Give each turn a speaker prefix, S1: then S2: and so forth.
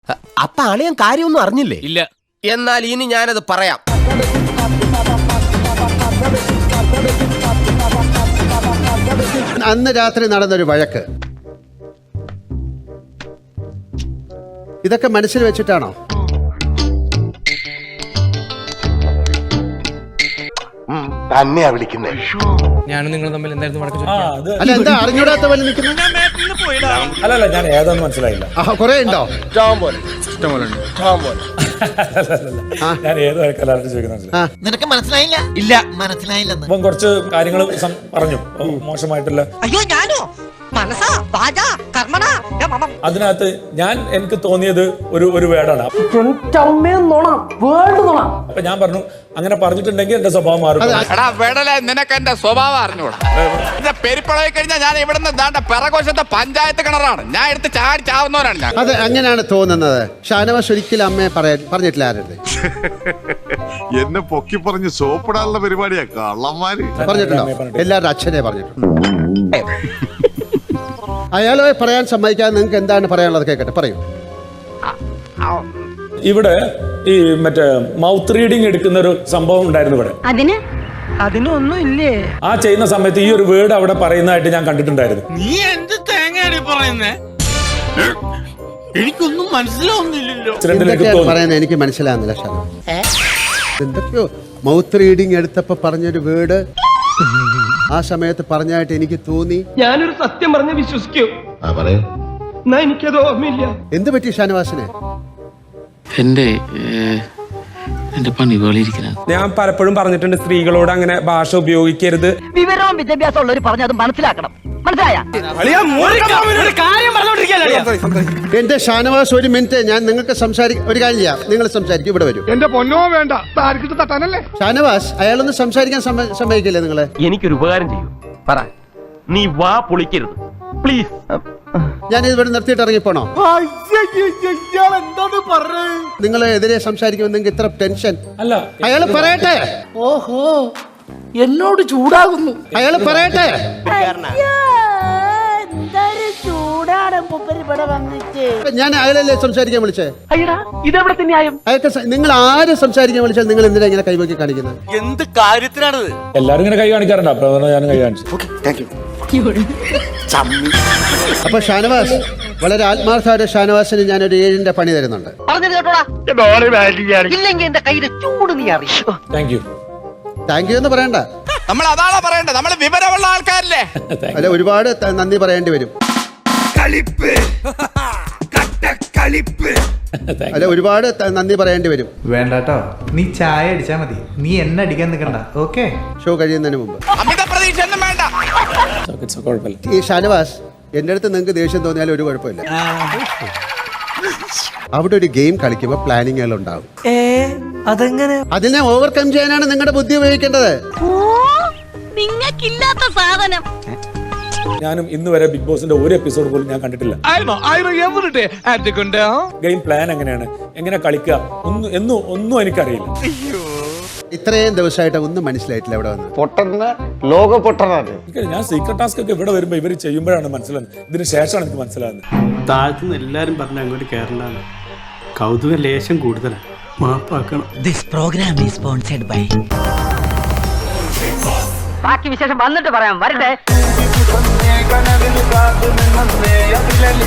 S1: അപ്പൊ അളിയൻ കാര്യമൊന്നും അറിഞ്ഞില്ലേ?
S2: ഇല്ല.
S1: എന്നാൽ ഇനി ഞാനത് പറയാം.
S3: അന്ന് രാത്രി നടന്നൊരു വഴക്ക് ഇതൊക്കെ മനസ്സിൽ വെച്ചിട്ടാണോ?
S4: തന്നെയാ വിളിക്കുന്നേ.
S2: ഞാനും നിങ്ങൾ തമ്മിൽ എന്തായിരുന്നു വഴക്ക്?
S3: അല്ല, എന്താ അറിഞ്ഞൂടാത്ത പോലെ നിൽക്കുന്നത്?
S5: അല്ലല്ല, ഞാൻ ഏതാന്ന് മനസ്സിലായില്ല.
S3: കുറെ ഉണ്ടോ?
S5: ഞാൻ ഏത് വഴക്കല്ലാണ്ട് ചോദിക്കുന്നത്
S6: നിനക്ക് മനസ്സിലായില്ല?
S2: ഇല്ല,
S6: മനസ്സിലായില്ലെന്ന്.
S5: അപ്പം കുറച്ച് കാര്യങ്ങൾ പറഞ്ഞു, മോശമായിട്ടുള്ള.
S6: അയ്യോ ഞാനോ? മനസ്സാ വാചാ കർമ്മണ.
S5: അതിനകത്ത് എനിക്ക് തോന്നിയത് ഒരു വേർഡാണ്. അപ്പൊ ഞാൻ പറഞ്ഞു, അങ്ങനെ പറഞ്ഞിട്ടുണ്ടെങ്കിൽ എന്റെ സ്വഭാവം മാറും.
S2: എടാ വെടല, നിനക്ക് എന്റെ സ്വഭാവം അറിഞ്ഞൂടാ. എന്റെ പെരിപ്പളായി കഴിഞ്ഞാൽ ഞാൻ ഇവിടുന്ന് ദാണ്ട പിറകോശത്തെ പഞ്ചായത്ത് കിണറാണ്. ഞാൻ എടുത്ത് ചാടി ചാവുന്നവരാണ് ഞാൻ.
S3: അത് അങ്ങനെയാണ് തോന്നുന്നത്. ഷാനവാസ് ഒരിക്കലും അമ്മയെ പറഞ്ഞിട്ടില്ല ആരുടെ
S4: എന്നെ പൊക്കി പറഞ്ഞ് സോപ്പിടാനുള്ള പരിപാടിയാ കള്ളന്മാര്.
S3: പറഞ്ഞിട്ടുണ്ടോ? എല്ലാവരുടെ അച്ഛനെ പറഞ്ഞിട്ടുണ്ട്. അയാളെ പറയാൻ സമ്മതിക്കാതെ നിങ്ങൾക്ക് എന്താണ് പറയാനുള്ളത് കേൾക്കട്ടെ, പറയൂ.
S5: ഇവിടെ ഈ മറ്റേ മൗത്ത് റീഡിങ് എടുക്കുന്ന ഒരു സംഭവം ഉണ്ടായിരുന്നു ഇവിടെ.
S6: അതിനൊന്നും ഇല്ലേ?
S5: ആ ചെയ്യുന്ന സമയത്ത് ഈ ഒരു വേർഡ് അവിടെ പറയുന്നതായിട്ട് ഞാൻ കണ്ടിട്ടുണ്ടായിരുന്നു.
S2: നീ എന്ത് തേങ്ങയാണ് പറയുന്നേ? എനിക്കൊന്നും മനസ്സിലാവുന്നില്ലല്ലോ.
S3: എന്തൊക്കെയാണ് പറയുന്നത് എനിക്ക് മനസ്സിലാകുന്നില്ല ഷാനവാസ്. എന്തൊക്കെയോ മൗത്ത് റീഡിങ് എടുത്തപ്പോ പറഞ്ഞൊരു വേർഡ് ആ സമയത്ത് പറഞ്ഞായിട്ട് എനിക്ക് തോന്നി.
S7: ഞാനൊരു സത്യം പറഞ്ഞ് വിശ്വസിക്കൂ. എന്നാ എനിക്കത് ഓർമ്മയില്ല.
S3: എന്ത് പറ്റി ഷാനവാസിനെ?
S8: എന്റെ പണി വേളിയിരിക്കണം.
S7: ഞാൻ പലപ്പോഴും പറഞ്ഞിട്ടുണ്ട്, സ്ത്രീകളോട് അങ്ങനെ ഭാഷ ഉപയോഗിക്കരുത്.
S6: വിവരവും വിദ്യാഭ്യാസം ഉള്ളവർ പറഞ്ഞത് മനസ്സിലാക്കണം. മനസ്സിലായ?
S3: എന്റെ ഷാനവാസ്, ഒരു മിനിറ്റ്, ഞാൻ നിങ്ങൾക്ക് ഒരു കാര്യം ചെയ്യാം. നിങ്ങൾ സംസാരിക്കും, ഇവിടെ വരും.
S7: എന്റെ പൊന്നോ വേണ്ട, തട്ടാനല്ലേ.
S3: ഷാനവാസ്, അയാളൊന്ന് സംസാരിക്കാൻ സമ്മതിക്കില്ലേ നിങ്ങളെ?
S7: എനിക്കൊരു ഉപകാരം ചെയ്യൂ. പറ, നീ വാ പൊളിക്കരുത് പ്ലീസ്.
S3: ഞാൻ ഇവിടെ നിർത്തിയിട്ട് ഇറങ്ങിപ്പോണോ? നിങ്ങളെ എതിരെ സംസാരിക്കുമ്പോൾ നിങ്ങൾക്ക് ഇത്ര ടെൻഷൻ?
S5: അല്ല,
S3: അയാൾ പറയട്ടെ.
S6: ഓഹോ, എന്നോട് ചൂടാകുന്നു.
S3: അയാൾ പറയട്ടെ. ഞാൻ അയാളല്ലേ സംസാരിക്കാൻ വിളിച്ചേ?
S7: ഇതെവിടെ ന്യായം?
S3: അയാൾക്ക് നിങ്ങൾ ആരെ സംസാരിക്കാൻ വിളിച്ചാൽ നിങ്ങൾ എന്തിനാ ഇങ്ങനെ കൈവക്കി കാണിക്കുന്നത്?
S2: എന്ത് കാര്യത്തിനാണത്?
S5: എല്ലാരും ഇങ്ങനെ കൈ കാണിക്കാറുണ്ട്. അപ്പൊ ഞാൻ കൈ കാണിച്ചു.
S3: അപ്പൊ ഷാനവാസ്, വളരെ ആത്മാർത്ഥമായ ഷാനവാസിന് ഞാനൊരു 7ന്റെ പണി തരുന്നുണ്ട്.
S6: പറഞ്ഞത് കേട്ടോടാ. ഇല്ലെങ്കിൽ എന്റെ കയ്യിലെ ചൂട് നീ അറിയോ?
S5: Thank you.
S3: താങ്ക് യു എന്ന് പറയണ്ട,
S2: നമ്മൾ അതാണോ പറയണ്ടത്? നമ്മൾ വിവരമുള്ള ആൾക്കാരല്ലേ?
S3: അല്ല, ഒരുപാട് നന്ദി പറയേണ്ടി വരും. അല്ല, ഒരുപാട് നന്ദി പറയേണ്ടി വരും.
S9: വേണ്ടാട്ടോ, നീ ചായ അടിച്ചാ മതി, നീ എന്നെ അടിക്കാൻ നിൽക്കണ്ട. ഓക്കെ,
S3: ഷോ കഴിയുന്നതിന് മുമ്പ്.
S2: അമിത പ്രതീക്ഷ ഒന്നും വേണ്ട.
S5: കുഴപ്പമില്ല.
S3: ഈ ഷാനവാസ്, എന്റെ അടുത്ത് നിങ്ങൾക്ക് ദേഷ്യം തോന്നിയാലും ഒരു കുഴപ്പമില്ല. അവിടെ ഒരു ഗെയിം കളിക്കുമ്പോൾ പ്ലാനിങ്ങുകൾ ഉണ്ടാവും.
S6: അതെങ്ങനെ?
S3: അതിനെ ഓവർകം ചെയ്യാനാണ് നിങ്ങളുടെ ബുദ്ധി ഉപയോഗിക്കേണ്ടത്.
S6: നിങ്ങൾക്കില്ലാത്ത സാധനം.
S5: ഞാനും ഇന്ന് വരെ ബിഗ് ബോസിന്റെ ഒരു എപ്പിസോഡ് പോലും ഞാൻ കണ്ടിട്ടില്ല. ഗെയിം പ്ലാൻ എങ്ങനെയാണ്, എങ്ങനെ കളിക്കുക, ഒന്നും എനിക്കറിയില്ല.
S3: ഇത്രയും ദിവസമായിട്ട് ഒന്നും മനസ്സിലായിട്ടില്ല. ഇവിടെ വന്ന്
S5: ഞാൻ സീക്രട്ട് ടാസ്ക് ഒക്കെ ഇവിടെ വരുമ്പോ ഇവര് ചെയ്യുമ്പോഴാണ് മനസ്സിലാകുന്നത്. ഇതിന് ശേഷമാണ് എനിക്ക് മനസ്സിലാകുന്നത്.
S7: താഴ്ത്തുനിന്ന് എല്ലാരും പറഞ്ഞ അങ്ങോട്ട് കേരളാണ്. കൗതുക ലേശം കൂടുതലാണ്. മാപ്പാക്കണം.
S6: This program is sponsored by. ബാക്കി വിശേഷം വന്നിട്ട് പറയാം. വരട്ടെ.